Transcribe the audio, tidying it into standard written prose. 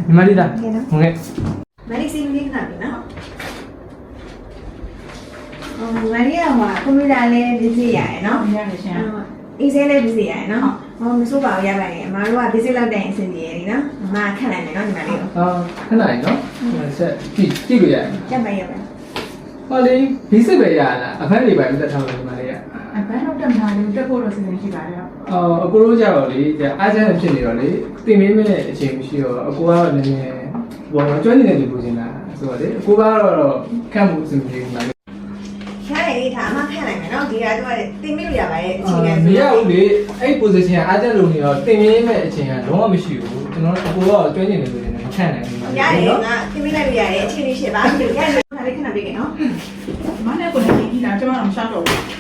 ညီမလေးလားဟုတ်ကဲ့မလေးစီးလေးခဏပြီနော်မလေးကဟိုကွန်ပျူတာလည်းပြည့်စည်ရတယ်နော်ရတယ်ရှင်အင်းစဲလည်းပြည့်စည်ရတယ်နော်ဟောမစိုးပါဘူးရပါတယ်အမတို့ကပြည့်စည်လောက်တဲ့အဆင်ပြေရည်နော်အမခက်လိုက်မယ်နော်ညီမလေးကိုခဏလေးနော်ဆက်ကြည့်လို့ရတယ်ရက်ပါရက်ပါဟောလေဘီစစ်ပဲရလားအဖက်တွေပဲတက်ထားလို့ညီမလေးအပန်းတော့တက်မှာလေတက်ဖို့တော့စီစဉ်ရှိပါတယ်အကိုတို့ကြတော့လေအားကျန်းဖြစ်နေတော့လေတင်မင်းမဲ့အချိန်မရှိတော့အကိုကတော့နည်းနည်းဘောတော့ကျွမ်းနေတဲ့လူပူနေတာဆိုတော့လေအကိုကတော့ခန့်မှုအစီအစဉ်မှာရတယ်လေဒါအမခက်လိုက်မယ်နော်ဒီကတော့တင်မိလို့ရပါတယ်အချိန်ကမရဘူးလေအဲ့ position ကအားကျန်းလို့နေတော့တင်မင်းမဲ့အချိန်ကလုံးဝမရှိဘူးကျွန်တော်အကိုကတော့ကျွမ်းနေတယ်လို့လည်းမခန့်နိုင်ဘူးရတယ်ငါတင်မိလိုက်လို့ရတယ်အချိန်လေးရှိပါရတယ်ခဏလေးခဏပေးခဲ့နော်မနဲ့ကိုလည်းကြည့်တာကျွန်တော်မရှောက်တော့ဘူး